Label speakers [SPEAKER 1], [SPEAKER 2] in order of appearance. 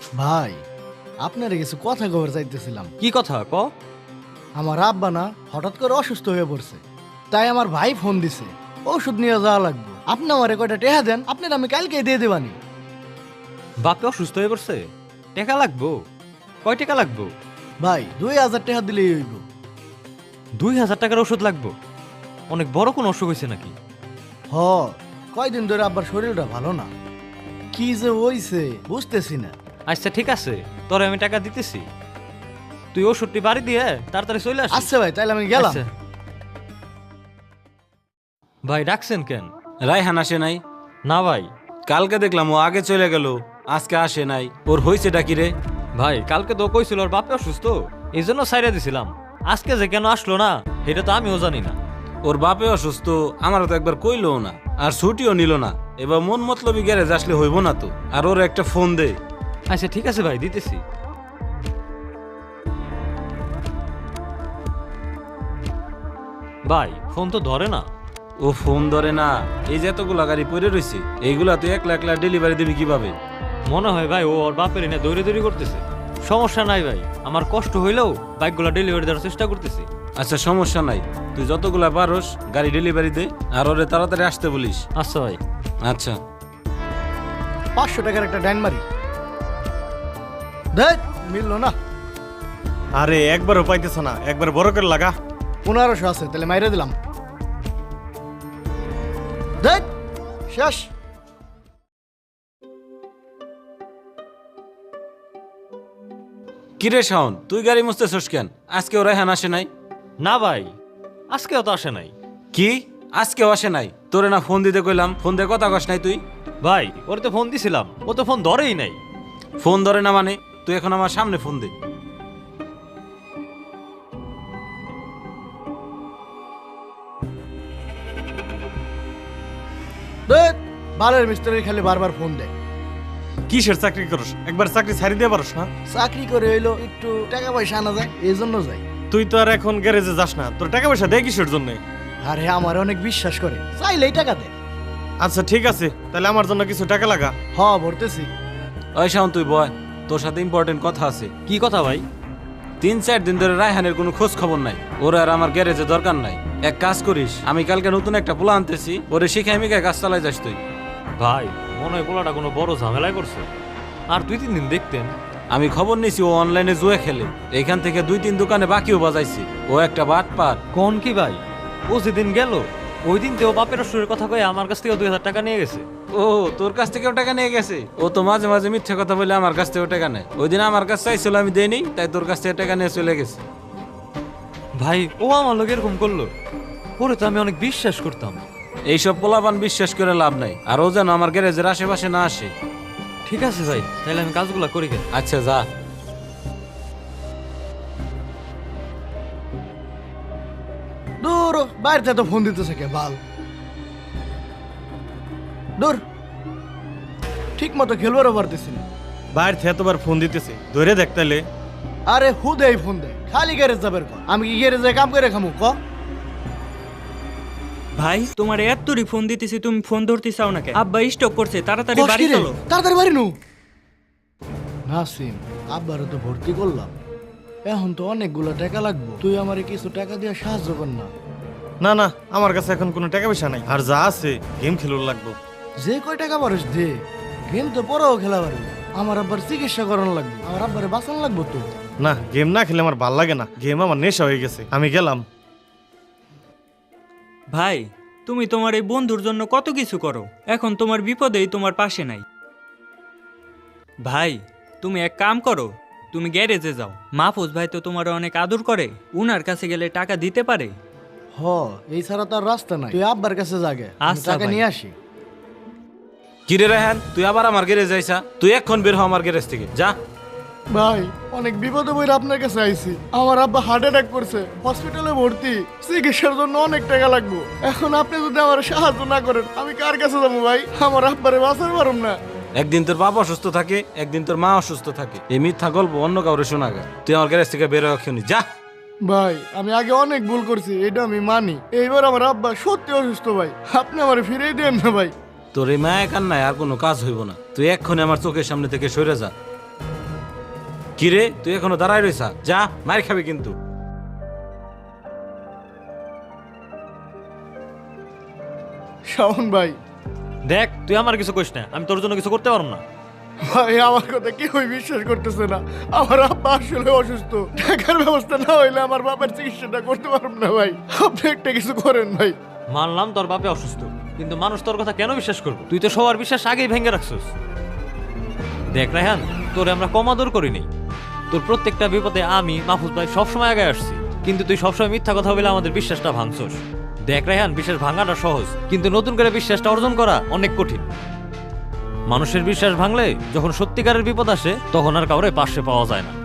[SPEAKER 1] ভাই আপনার কিছু কথা খবর চাইতেছিলাম।
[SPEAKER 2] কি কথা ক?
[SPEAKER 1] আমার আব্বা না হঠাৎ করে অসুস্থ হয়ে পড়ছে, তাই আমার ভাই ফোন দিছে ওষুধ নিয়ে যাওয়া লাগবে। আপনি আমারে কয়টা টেহা দেন, আপনার আমি কালকে দিয়ে দেবানি।
[SPEAKER 2] বাপে অসুস্থ হয়ে পড়ছে, টাকা লাগবো? কয় টাকা লাগবো?
[SPEAKER 1] ভাই 2000 টাকা দিলেই হইব।
[SPEAKER 2] 2000 টাকার ওষুধ লাগবো? অনেক বড় কোন অসুখ হয়েছে নাকি?
[SPEAKER 1] হ, কয়দিন ধরে আব্বার শরীরটা ভালো না, কি যে হইছে বুঝতেছি না।
[SPEAKER 2] আচ্ছা ঠিক আছে, তোরে আমি টাকা দিতেছি, তুই ওষুধটি বাড়ি দিয়ে তাড়াতাড়ি চলে আসিস।
[SPEAKER 1] আচ্ছা ভাই, তাইলে আমি গেলাম।
[SPEAKER 2] আচ্ছা। ভাই ডাকছেন কেন?
[SPEAKER 3] রায়হান আসে নাই?
[SPEAKER 2] না ভাই।
[SPEAKER 3] কালকে দেখলাম ও আগে চলে গেল, আজকে আসে নাই। ওর হয়েছে ডাকি রে?
[SPEAKER 2] ভাই কালকে তো কইছিল ওর বাপে অসুস্থ, এই জন্য সাইরা দিছিলাম। আজকে যে কেন আসলো না সেটা তো আমিও জানি না।
[SPEAKER 3] ওর বাপে অসুস্থ, আমারও তো একবার কইলো না, আর ছুটিও নিল না। এবার মন মতলবি গ্যারেজ আসলে হইব না তো। আর ওর একটা ফোন দে।
[SPEAKER 2] আচ্ছা ঠিক আছে ভাই, দিতেছি। ভাই ফোন তো ধরে না।
[SPEAKER 3] ও ফোন ধরে না? এই যে এতগুলা গাড়ি পড়ে রয়েছে, এইগুলা তুই একলা একলা ডেলিভারি দিবি কিভাবে?
[SPEAKER 2] মনে হয় ভাই ও ওর বাপের এনে দৌড়ে দৌড়ি করতেছে। সমস্যা নাই ভাই, আমার কষ্ট হইলেও বাইকগুলো ডেলিভারি দেওয়ার চেষ্টা করতেছি।
[SPEAKER 3] আচ্ছা সমস্যা নাই, তুই যতগুলা পারস গাড়ি ডেলিভারি দে, আর ওরে তাড়াতাড়ি আসতে বলিস।
[SPEAKER 2] আচ্ছা ভাই।
[SPEAKER 3] আচ্ছা।
[SPEAKER 1] 500 টাকার একটা ডাইন মারি, দেখ মিললো না।
[SPEAKER 4] আরে একবারও পাইতেছ না, একবার বড় করে লাগা।
[SPEAKER 1] 1500 আছে, তাহলে মাইরে দিলাম। দেখ শেষ।
[SPEAKER 3] কিরে শাওন, তুই গাড়ি মুছতেছস কেন? আজকে ও রায়হান আসে নাই?
[SPEAKER 2] না ভাই, আজকেও তো আসে নাই।
[SPEAKER 3] কি আজকেও আসে নাই? তোরে না ফোন দিতে কইলাম, ফোন দিয়ে কথা কস নাই তুই?
[SPEAKER 2] ভাই ওর তো ফোন দিছিলাম, ও তো ফোন ধরেই নাই।
[SPEAKER 3] ফোন ধরে না মানে? তুই এখন আমার সামনে ফোন দে।
[SPEAKER 1] দেখ বালের মিস্ত্রি খালি বারবার ফোন দেয়।
[SPEAKER 4] কিসের চাকরি করস? একবার চাকরি ছাড়ি দিয়ে পারস না?
[SPEAKER 1] চাকরি করে হইলো একটু টাকা পয়সা আনা যায়, এই জন্য যাই।
[SPEAKER 4] তুই তো আর এখন গ্যারেজে যাস না, তোর টাকা পয়সা দেয় কিসের জন্য?
[SPEAKER 1] আরে আমার অনেক বিশ্বাস করে, চাইলেই টাকা দেয়।
[SPEAKER 4] আচ্ছা ঠিক আছে, তাহলে আমার জন্য কিছু টাকা লাগা।
[SPEAKER 1] হ ভরতেছি।
[SPEAKER 3] ওই শাওন তুই বয়, তোর সাথে ইম্পর্টেন্ট কথা আছে।
[SPEAKER 2] কি কথা ভাই?
[SPEAKER 3] 3-4 দিন ধরে রায়হানের কোনো খোঁজ খবর নাই। ওর আর আমার গ্যারেজে দরকার নাই। এক কাজ করিস, আমি কালকে নতুন একটা পোলা আনতেছি, ওরে শিখাই মিখাই কাজ চালাই যাস তুই।
[SPEAKER 2] ভাই মনে হয় পোলাটা কোনো বড় ঝামেলায় করছে, আর 2-3 দিন দেখতেন।
[SPEAKER 3] আমি খবর নিছি ও অনলাইনে জুয়ে খেলে, এইখান থেকে 2-3 দোকানে বাকিও বাজাইছি। ও একটা বাটপার।
[SPEAKER 2] কোন কি ভাই, ও যেদিন গেল ওই দিন তো ও বাপের অসুরের কথা কয়ে আমার কাছ থেকে 2000 টাকা নিয়ে গেছে।
[SPEAKER 3] ও তোর কাছ থেকেও টাকা নিয়ে গেছে? ও তো মাঝে মাঝে মিথ্যে কথা বলে আমার কাছ থেকেও টাকা নেয়। ওই দিন আমার কাছ চাইছিল, আমি দেইনি, তাই তোর কাছ থেকে টাকা নিয়ে চলে গেছে।
[SPEAKER 2] ভাই ও আমার লোক এরকম করলো? ওরে তো আমি অনেক বিশ্বাস করতাম।
[SPEAKER 3] এইসব পোলাপান বিশ্বাস করে লাভ নাই, আর ও যেন আমার গ্যারেজের আশেপাশে না আসে।
[SPEAKER 2] ঠিক আছে ভাই, তাহলে আমি কাজগুলো করি কেন।
[SPEAKER 3] আচ্ছা যা।
[SPEAKER 1] দূর বাইরে তো ফোন দিতেছে কে বাল। দূর ঠিক মতো খেলবারও পারতেছি না।
[SPEAKER 4] বাইরে থেকে এতবার ফোন দিতেছে, ধরে দেখ তাইলে।
[SPEAKER 1] আরে হুদেই ফোন দেয়, খালি গ্যারেজ যাবের ক। আমি কি গ্যারেজে কাম করে খামু ক?
[SPEAKER 5] ভাই তোমার এতরি ফোন দিতেছি, তুমি ফোন ধরতে চাও না কেন? আব্বা স্টক করছে, তাড়াতাড়ি বাড়ি
[SPEAKER 1] কষ্টি রে,
[SPEAKER 5] চলো।
[SPEAKER 1] তাড়াতাড়ি বাড়ি নু। নাসিম আব্বারও তো ভর্তি করলাম, এখন তো অনেকগুলো টাকা লাগবে। তুই আমারে কিছু টাকা দিয়ে সাহায্য কর না।
[SPEAKER 4] না না, আমার কাছে এখন কোনো টাকা পয়সা নাই, আর যা আছে গেম খেলোর লাগবো।
[SPEAKER 1] যে কয় টাকা পারিস দে, গেম তো পরেও খেলা পারবি। আমার আব্বার চিকিৎসা করানো লাগবে, আমার আব্বারে বাঁচানো লাগবে তো।
[SPEAKER 4] না, গেম না খেলে আমার ভাল লাগে না, গেম আমার নেশা হয়ে গেছে। আমি গেলাম।
[SPEAKER 5] ভাই তুমি তোমার এই বন্ধুর জন্য কত কিছু করো, এখন তোমার বিপদেই তোমার পাশে নাই। ভাই তুমি এক কাম করো, তুমি গ্যারেজে যাও। মাহফুজ ভাই তো তোমার অনেক আদর করে, উনার কাছে গেলে টাকা দিতে পারে।
[SPEAKER 1] হ, এই ছাড়া তার রাস্তা নাই। তুই আব্বার কাছে জাগে, আমি
[SPEAKER 5] আচ্ছা
[SPEAKER 1] টাকা
[SPEAKER 5] ভাই।
[SPEAKER 1] নিয়ে আসি।
[SPEAKER 3] কিরে রায়হান, তুই আবার আমার গ্যারেজ যাইছা? তুই এখন বের হ আমার গ্যারেজ থেকে, যা।
[SPEAKER 1] ভাই অনেক বিপদে বইরা আপনার কাছে আইছি। আমার আব্বা হার্ট অ্যাটাক করছে, হসপিটালে ভর্তি, চিকিৎসার জন্য অনেক টাকা লাগবে। এখন আপনি যদি আমার সাহায্য না করেন, আমি কার কাছে যাবো ভাই? আমার আব্বারে বাঁচাতে পারুম না।
[SPEAKER 3] একদিন তোর বাবা অসুস্থ থাকে, একদিন তোর মা অসুস্থ থাকে। এই মিথ্যা গল্প অন্য কাউরে শোনা গে। তুই আমার গ্যারেজ থেকে বের হওয়া যা।
[SPEAKER 1] ভাই আমি আগে অনেক ভুল করছি, এটা আমি মানি। এইবার আমার আব্বা সত্যি অসুস্থ ভাই, আপনি আমার ফিরিয়ে দেন না ভাই।
[SPEAKER 3] তোর এই মায়া কান্নায় আর কোনো কাজ হইব না। তুই এক্ষুনি আমার চোখের সামনে থেকে সরে যা। কিরে তুই এখনো দাঁড়ায় রইছা, যা মার খাবি কিন্তু।
[SPEAKER 1] শাওন ভাই,
[SPEAKER 2] দেখ তুই আমার কিছু কইস না, আমি তোর জন্য কিছু করতে পারবো না।
[SPEAKER 1] ভাই আমার কথা কেউই বিশ্বাস করতেছে না। আমার আব্বা আসলে অসুস্থ, টাকার ব্যবস্থা না হইলে আমার বাবার চিকিৎসাটা করতে পারব না ভাই। আপনি একটা কিছু করেন ভাই।
[SPEAKER 2] মানলাম তোর বাপে অসুস্থ, কিন্তু মানুষ তোর কথা কেন বিশ্বাস করবো? তুই তো সবার বিশ্বাস আগেই ভেঙে রাখছিস। দেখ রায়হান, তোরে আমরা কম আদর করিনি। তোর প্রত্যেকটা বিপদে আমি মাহফুজ ভাই সবসময় আগে আসছি, কিন্তু তুই সবসময় মিথ্যা কথা বলে আমাদের বিশ্বাসটা ভাঙছস। দেখ রায়হান, বিশ্বাস ভাঙাটা সহজ, কিন্তু নতুন করে বিশ্বাসটা অর্জন করা অনেক কঠিন। মানুষের বিশ্বাস ভাঙলে যখন সত্যিকারের বিপদ আসে তখন আর কাউরে পাশে পাওয়া যায় না।